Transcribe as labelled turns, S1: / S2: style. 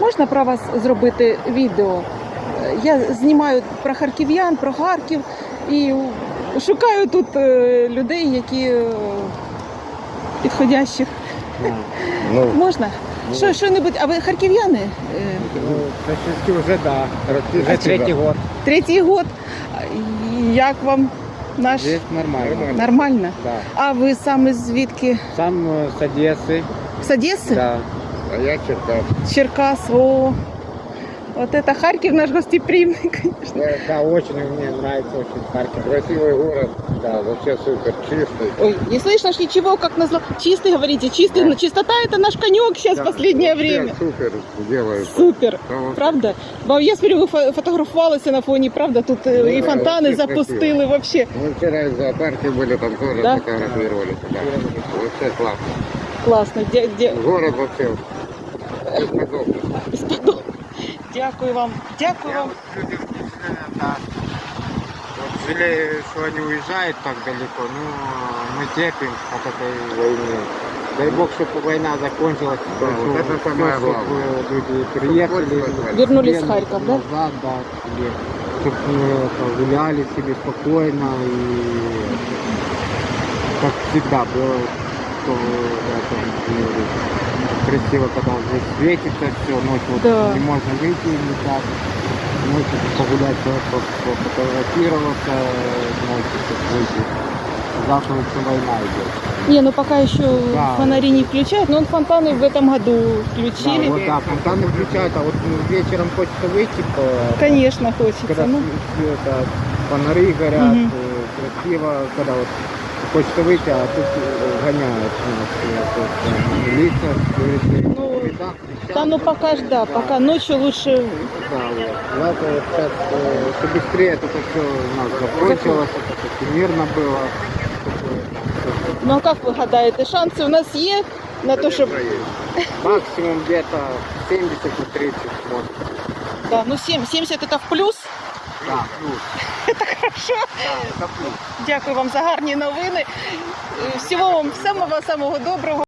S1: Можна про вас зробити відео? Я знімаю про харків'ян, про Харків і шукаю тут людей, які підходящих.
S2: Ну,
S1: Можна? Що-небудь? А ви харків'яни?
S3: Практически уже да. Уже третий год.
S1: Третій год. Як вам наш?
S3: Здесь нормально.
S1: Нормально?
S3: Да.
S1: А ви саме звідки?
S3: Сам с Одессы.
S1: З Одеси?
S3: Да.
S2: а я Черкас.
S1: Черкас, о. Вот это Харьков наш гостеприимный, конечно.
S3: Да, очень мне нравится очень Харьков.
S2: Красивый город,
S3: Да.
S2: вообще супер, чистый.
S1: Ой, не слышно ж ничего, как назло. Чистый, говорите, чистый.
S2: Да.
S1: Чистота это наш конек сейчас в последнее
S2: Вообще
S1: время.
S2: супер делают.
S1: Супер,
S2: Да, вот.
S1: правда? Бо я смотрю, ви фотографувалися на фоні, правда? Тут і
S2: Да,
S1: фонтани
S2: вообще
S1: запустили вообще.
S2: Мы вчера в зоопарке были, там тоже
S1: Да?
S2: фотографировались. Да. Вообще классно.
S1: Класно.
S2: Город вообще бесподобный.
S1: Безподобно. Дякую вам. Дякую вам.
S3: Люди да. Вот жалею, что они уезжают так далеко, но мы терпим от этой войны. Дай бог, чтобы война закончилась,
S2: Да, вот это самое
S3: чтобы
S2: главное.
S3: люди приехали,
S1: Вернулись в Харьков, да?
S3: назад, да, чтобы гуляли себе спокойно и как всегда было, что да, там, красиво, когда здесь светится все, ночью вот
S1: Да.
S3: не можно выйти никак, ночью погулять, пофотографироваться, ночью выйти. Завтра еще война идет.
S1: Не, ну пока еще
S3: Да.
S1: фонари не включают, но фонтаны в этом году включили.
S3: Да, вот, да, фонтаны включают, а вот вечером хочется выйти,
S1: Конечно, хочется.
S3: когда
S1: Ну,
S3: это, фонари горят,
S1: Мгм.
S3: красиво, когда вот хочется выйти, а тут гоняют нас, милиция, говорит,
S1: Ну,
S3: да, кричат.
S1: да, ну пока ж, да, пока ночью лучше.
S3: Да, вот. Надо вот сейчас, чтобы быстрее это все у нас закончилось, это мирно было.
S1: Ну а як ви гадаєте, шанси у нас є на те, щоб...
S3: Максимум где-то 70 на 30 может.
S1: Да, ну 70 це в плюс.
S3: Да, плюс.
S1: Хорошо.
S3: Да, это плюс.
S1: Дякую вам за гарні новини. Всього вам самого доброго.